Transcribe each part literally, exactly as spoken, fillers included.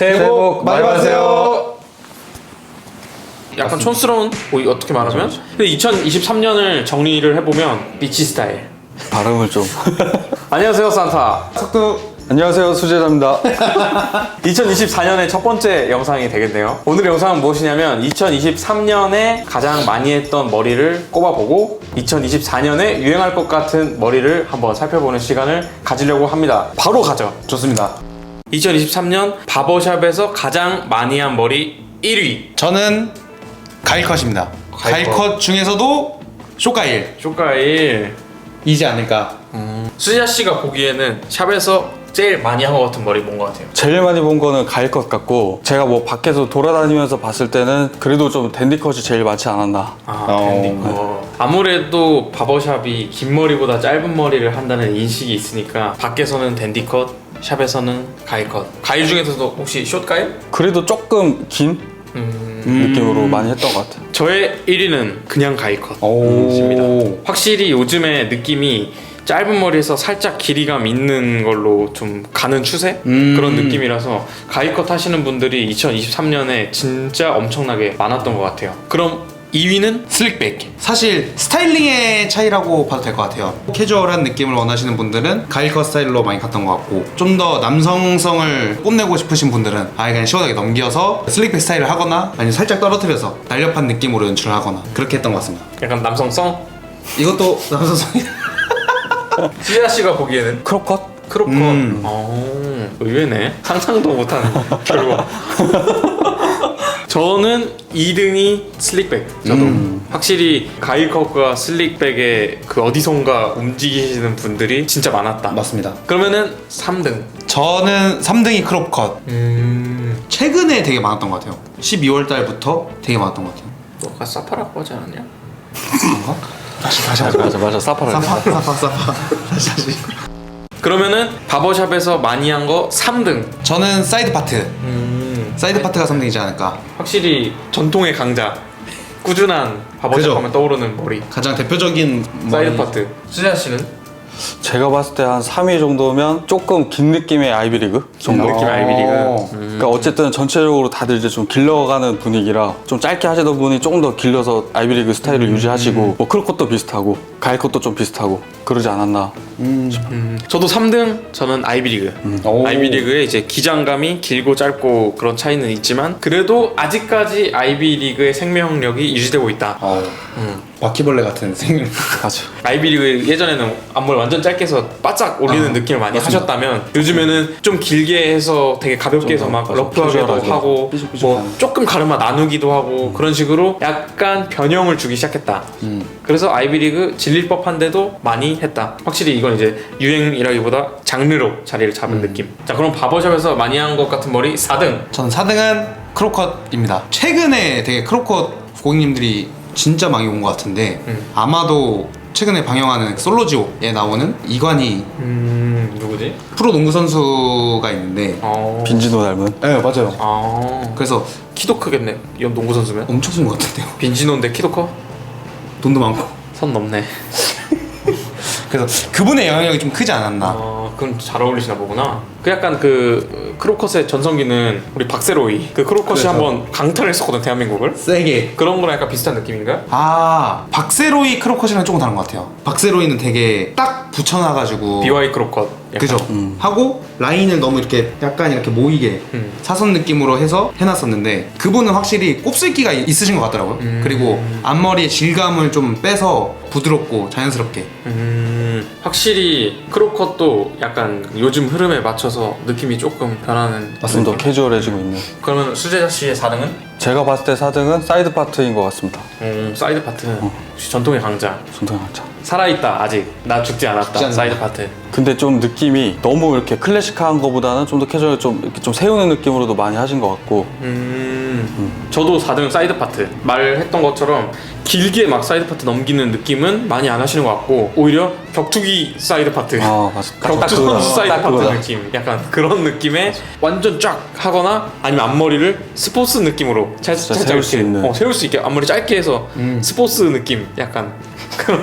새해 복 많이 받으세요. 약간 촌스러운 뭐 어떻게 말하면 근데 이천이십삼 년을 정리를 해보면 비치 스타일. 발음을 좀. 안녕하세요 산타. 석두. 안녕하세요 수제자입니다. 이천이십사 년의 첫 번째 영상이 되겠네요. 오늘 영상은 무엇이냐면 이천이십삼 년에 가장 많이 했던 머리를 꼽아보고 이천이십사 년에 유행할 것 같은 머리를 한번 살펴보는 시간을 가지려고 합니다. 바로 가죠. 좋습니다. 이천이십삼 년 바버샵에서 가장 많이 한 머리 일 위. 저는 가일컷입니다. 가일컷. 가일컷 중에서도 쇼가일 쇼가일. 이지 않을까. 음. 수지아 씨가 보기에는 샵에서 제일 많이 한 것 같은 머리 뭔 것 같아요? 제일 많이 본 거는 가일 것 같고, 제가 뭐 밖에서 돌아다니면서 봤을 때는 그래도 좀 댄디 컷이 제일 많지 않았나. 아, 어. 댄디 컷. 아무래도 바버샵이 긴 머리보다 짧은 머리를 한다는 인식이 있으니까 밖에서는 댄디 컷, 샵에서는 가일 컷. 가일 중에서도 혹시 숏 가일? 그래도 조금 긴 음. 느낌으로 많이 했던 것 같아요. 저의 일 위는 그냥 가일 컷. 오. 입니다. 확실히 요즘에 느낌이 짧은 머리에서 살짝 길이감 있는 걸로 좀 가는 추세? 음. 그런 느낌이라서 가이컷 하시는 분들이 이천이십삼 년에 진짜 엄청나게 많았던 것 같아요. 그럼 이 위는 슬릭백. 사실 스타일링의 차이라고 봐도 될 것 같아요. 캐주얼한 느낌을 원하시는 분들은 가일컷 스타일로 많이 갔던 것 같고, 좀 더 남성성을 뽐내고 싶으신 분들은 아예 그냥 시원하게 넘겨서 슬릭백 스타일을 하거나 아니면 살짝 떨어뜨려서 날렵한 느낌으로 연출을 하거나 그렇게 했던 것 같습니다. 약간 남성성? 이것도 남성성이 수지아 씨가 보기에는 크롭 컷? 크롭컷. 음. 어, 의외네. 상상도 못한 결과. 저는 이 등이 슬릭백. 저도 음. 확실히 가일컷과 슬릭백의 그 어디선가 움직이시는 분들이 진짜 많았다. 맞습니다. 그러면은 삼 등. 저는 삼 등이 크롭컷. 음. 최근에 되게 많았던 것 같아요. 십이월 달부터 되게 많았던 것 같아요. 너가 사파라고 하지 않았냐? 그런가? 다시 다시 맞아 맞아 맞아 사파라. 사파 사파 사파 다시 다시. 그러면은 바버샵에서 많이 한 거 삼 등. 저는 사이드 파트. 음. 사이드 파트가 삼 등이지 않을까. 확실히 전통의 강자. 꾸준한 바버샵 그죠? 하면 떠오르는 머리. 가장 대표적인 사이드 머리. 파트. 수지아 씨는? 제가 봤을 때 한 삼 위 정도면 조금 긴 느낌의 아이비리그 정도. 느낌 아이비리그. 어. 그러니까 어쨌든 전체적으로 다들 이제 좀 길러가는 분위기라 좀 짧게 하시던 분이 조금 더 길러서 아이비리그 스타일을 유지하시고, 뭐 크롭컷도 비슷하고 가일 컷도 좀 비슷하고 그러지 않았나. 음, 저도 삼 등. 저는 아이비리그. 오. 아이비리그의 이제 기장감이 길고 짧고 그런 차이는 있지만 그래도 아직까지 아이비리그의 생명력이 유지되고 있다. 어. 음. 바퀴벌레 같은 생명. 맞아. 아이비리그 예전에는 앞머리 완전 짧게 해서 바짝 올리는 아, 느낌을 많이 맞습니다. 하셨다면 요즘에는 좀 길게 해서 되게 가볍게 해서 막 맞아, 러프하게도 캐주얼하게. 하고 삐죽삐죽한. 뭐 조금 가르마 나누기도 하고 그런 식으로 약간 변형을 주기 시작했다. 음. 그래서 아이비리그 질릴 법한데도 많이 했다. 확실히 이건 이제 유행이라기보다 장르로 자리를 잡은 느낌. 자, 그럼 바버샵에서 많이 한 것 같은 머리 사 등. 저는 사 등은 크롭컷입니다. 최근에 되게 크롭컷 고객님들이 진짜 많이 온 것 같은데, 음. 아마도 최근에 방영하는 솔로지오에 나오는 이관희 음, 누구지? 프로 농구 선수가 있는데, 어. 빈지노 닮은. 네 맞아요. 아. 그래서 키도 크겠네. 이 농구 선수면. 엄청 쓴 것 같은데요. 빈지노인데 키도 커? 돈도 많고. 선 넘네. 그래서 그분의 영향력이 좀 크지 않았나. 아, 그럼 잘 어울리시나 보구나. 그 약간 그 크로컷의 전성기는 우리 박세로이 그 크로컷이 그래서. 한번 강탈했었거든 대한민국을. 세게. 그런 거랑 약간 비슷한 느낌인가? 아, 박세로이 크롭컷이랑 조금 다른 것 같아요. 박세로이는 되게 딱 붙여놔가지고 비와이 크로컷. 약간. 그죠? 음. 하고 라인을 너무 이렇게 약간 이렇게 모이게 음. 사선 느낌으로 해서 해놨었는데, 그분은 확실히 곱슬기가 있으신 것 같더라고요. 음. 그리고 앞머리의 질감을 좀 빼서 부드럽고 자연스럽게. 음, 확실히 크로컷도 약간 요즘 흐름에 맞춰서 느낌이 조금 변하는. 좀 더 캐주얼해지고 있는. 그러면 수제자 씨의 사 등은? 제가 봤을 때 사 등은 사이드 파트인 것 같습니다. 음, 사이드 파트. 역시 전통의 강자. 전통하자. 살아있다 아직. 나 죽지 않았다. 죽지 않는다. 사이드 파트. 근데 좀 느낌이 너무 이렇게 클래식한 거보다는 좀 더 캐주얼, 좀 이렇게 좀 세우는 느낌으로도 많이 하신 것 같고. 음, 저도 사 등 사이드 파트. 말했던 것처럼 길게 막 사이드 파트 넘기는 느낌은 많이 안 하시는 것 같고, 오히려 격투기 사이드 파트. 아 맞아. 딱 격투 그거다. 선수 사이드 딱 파트 그거다. 느낌. 약간 그런 느낌의 완전 쫙 하거나 아니면 앞머리를 스포츠 느낌으로 살짝 진짜 세울 수 이렇게, 있는. 어, 세울 수 있게 앞머리 짧게 해서 음. 스포츠 느낌. 약간 그런.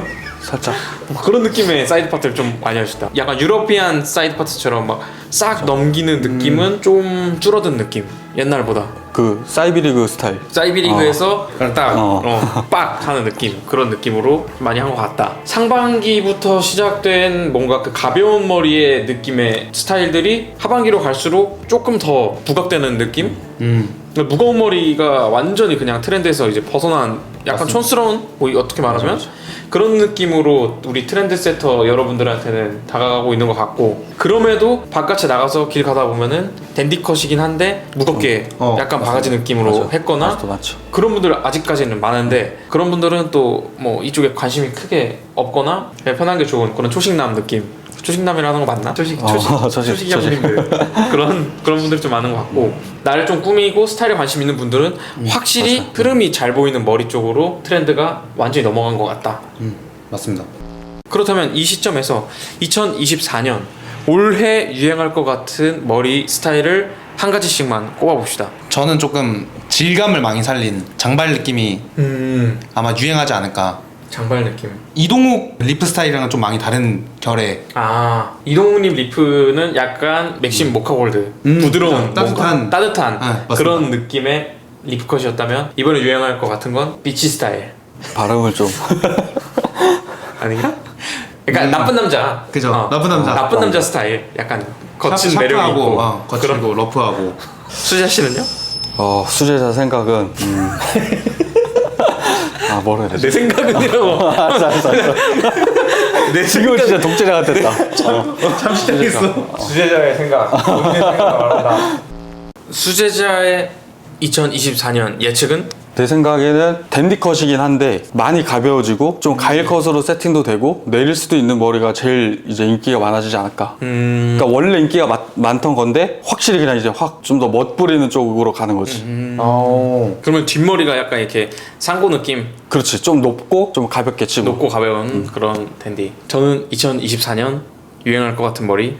살짝. 뭐 그런 느낌의 사이드 파트를 좀 많이 하시다. 약간 유러피안 사이드 파트처럼 막 싹 넘기는 느낌은 좀 줄어든 느낌. 옛날보다. 그 사이비리그 스타일. 사이비리그에서 딱 어. 어, 빡 하는 느낌, 그런 느낌으로 많이 한 것 같다. 상반기부터 시작된 뭔가 그 가벼운 머리의 느낌의 스타일들이 하반기로 갈수록 조금 더 부각되는 느낌? 음. 무거운 머리가 완전히 그냥 트렌드에서 이제 벗어난 약간 맞습니다. 촌스러운, 뭐 어떻게 말하면 맞아, 맞아. 그런 느낌으로 우리 트렌드 세터 여러분들한테는 다가가고 있는 것 같고, 그럼에도 바깥에 나가서 길 가다 보면은 댄디컷이긴 한데 무겁게 어, 약간 맞습니다. 바가지 느낌으로 맞아. 했거나 아직도 많죠. 그런 분들 아직까지는 많은데, 그런 분들은 또 뭐 이쪽에 관심이 크게 없거나 그냥 편한 게 좋은 그런 초식남 느낌. 초식남이라는 거 맞나? 초식, 초식, 어, 초식, 초식 형님들 그런 그런 분들 좀 많은 것 같고, 나를 좀 꾸미고 스타일에 관심 있는 분들은 확실히 맞아. 흐름이 잘 보이는 머리 쪽으로 트렌드가 완전히 넘어간 것 같다. 음. 맞습니다. 그렇다면 이 시점에서 이천이십사 년 올해 유행할 것 같은 머리 스타일을 한 가지씩만 꼽아봅시다. 저는 조금 질감을 많이 살린 장발 느낌이 음, 아마 유행하지 않을까. 장발 느낌. 이동욱 리프 스타일이랑은 좀 많이 다른 결의. 아, 이동욱님 리프는 약간 맥심 모카골드, 음, 부드러운 그죠. 따뜻한. 뭔가 따뜻한 네, 맞습니다. 그런 느낌의 리프컷이었다면, 이번에 유행할 것 같은 건 비치 스타일 발음을 좀. 아닌가? 그러니까 나쁜 남자. 음. 그죠. 나쁜 남자. 나쁜 남자 스타일. 약간 거친 샤- 매력이 샤프하고, 있고. 어, 거칠고 그런. 러프하고. 수자 씨는요? 어, 수제자 생각은. 음. 아, 뭐라 해야 되지? 내 생각은이라고. 알았어, 알았어, 알았어. 내 지금 생각. 진짜 독재자가 됐다. 어. 잠시 당했어. 수제자의 생각. 본인의 생각을 말한다. 수제자의 이천이십사 년 예측은? 내 생각에는 댄디컷이긴 한데 많이 가벼워지고 좀 가일 컷으로 세팅도 되고 내릴 수도 있는 머리가 제일 이제 인기가 많아지지 않을까. 음. 그러니까 원래 인기가 마- 많던 건데 확실히 그냥 이제 확 좀 더 멋부리는 쪽으로 가는 거지. 어. 그러면 뒷머리가 약간 이렇게 상고 느낌, 그렇지. 좀 높고 좀 가볍게 치고. 높고 가벼운 그런 댄디. 저는 이천이십사 년 유행할 것 같은 머리.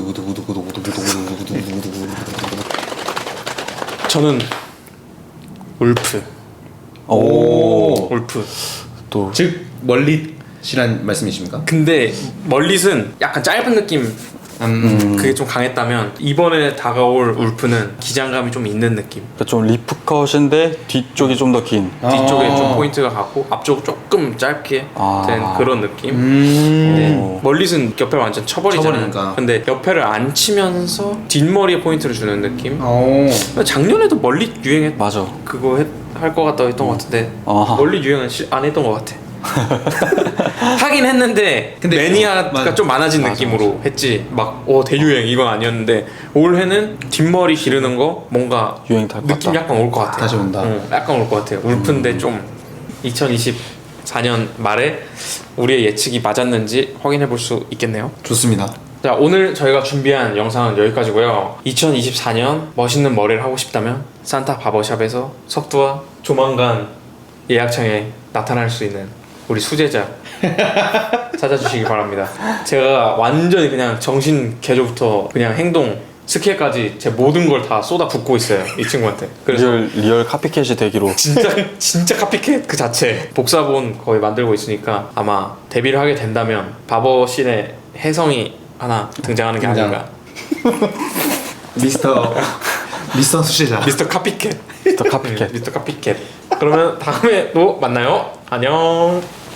저는 울프. 오. 울프. 또 즉 멀릿이란 말씀이십니까? 근데 멀릿은 약간 짧은 느낌, 음. 그게 좀 강했다면, 이번에 다가올 울프는 기장감이 좀 있는 느낌. 그러니까 좀 리프컷인데 뒤쪽이 좀 더 긴. 뒤쪽에 아. 좀 포인트가 가고 앞쪽 조금 짧게 아. 된 그런 느낌. 음. 네. 멀릿은 옆에 완전 쳐버리잖아요. 쳐버리니까. 근데 옆에를 안 치면서 뒷머리에 포인트를 주는 느낌. 어. 작년에도 멀릿 유행했 맞아. 그거 할 것 같다고 했던 것 같은데 아하. 멀릿 유행은 시- 안 했던 것 같아. 하긴 했는데 근데 매니아가 맞아. 좀 많아진 맞아, 느낌으로 했지. 막 오 대유행 이건 아니었는데, 올해는 뒷머리 기르는 거 뭔가 유행 탈것 느낌 같다. 약간 올 것 같아. 다시 온다. 응, 약간 올 것 같아요. 울프인데 좀 이천이십사 년 말에 우리의 예측이 맞았는지 확인해 볼 수 있겠네요. 좋습니다. 자, 오늘 저희가 준비한 영상은 여기까지고요. 이천이십사 년 멋있는 머리를 하고 싶다면 산타 바버샵에서 석두와 조만간 예약창에 나타날 수 있는 우리 수제자 찾아주시기 바랍니다. 제가 완전히 그냥 정신 개조부터 그냥 행동 스킬까지 제 모든 걸 다 쏟아 붓고 있어요, 이 친구한테. 그래서 리얼 리얼 카피캣이 되기로. 진짜 진짜 카피캣 그 자체. 복사본 거의 만들고 있으니까 아마 데뷔를 하게 된다면 바버신의 혜성이 하나 등장하는 게 등장. 아닌가. 미스터 미스터 수제자. 미스터 카피캣. 더 네, 카피캣. 미스터 카피캣. 그러면 다음에 또 만나요. 안녕.